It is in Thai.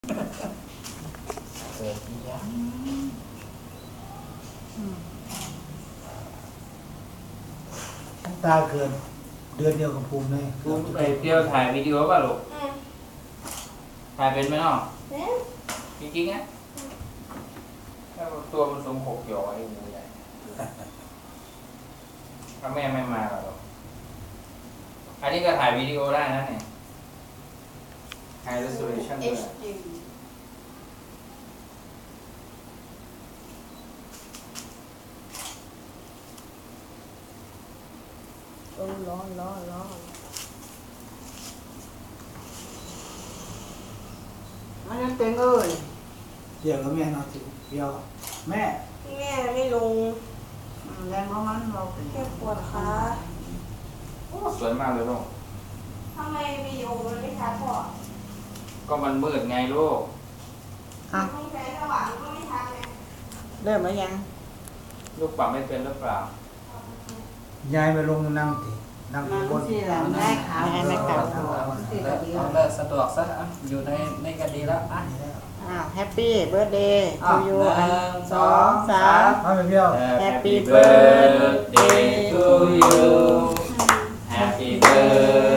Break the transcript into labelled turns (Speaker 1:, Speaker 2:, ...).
Speaker 1: เกิดที่ยัง
Speaker 2: ตาเกินเดือนเดียวกับภูมิเลย
Speaker 1: ภูมิไปเที่ยวถ่ายวิดีโอป่ะลูกถ่ายเป็นไหมเนาะจริงๆนะถ้าตัวมันทรง6 หยอไอ้หมูใหญ่ถ้าแม่ไม่มาหรอกอันนี้ก็ถ่ายวิดีโอได้นะเนี่ย High resolution ด้วย
Speaker 3: ร้อนมันยังเต็งเอ้ย
Speaker 2: เดี๋ยวแล้วแม่นอนสิเดียวแม่
Speaker 4: แม่ไม่ลง
Speaker 3: แรงเพราะมันเราเป็น
Speaker 4: แค่ปวดขา
Speaker 1: โอ้สวยมากเลยลูก
Speaker 4: ทำไมวิดีโอมันไม่ชัดพอ
Speaker 1: ก็มันมืดไงลูก
Speaker 4: ต้องใช้สว่างก็ไม่ชัดไง
Speaker 3: เริ่มแล้วยัง
Speaker 1: ลูกปรับไม่เป็นหรือเปล่าย
Speaker 2: ายไปลงนั่งสินั่ง
Speaker 3: มัน
Speaker 2: บน
Speaker 3: ที่เราได้ขาวไม่กลับ
Speaker 5: เอาเลิกสะดวกซะอยู่ในกันดีแล้วอ่ะ
Speaker 3: อ้าวแฮปปี้เบิร์ดเดย์ทูยู
Speaker 5: 1
Speaker 3: 2 3
Speaker 2: เอาไปเที่ยว
Speaker 3: Happy
Speaker 1: birthday to you Happy birthday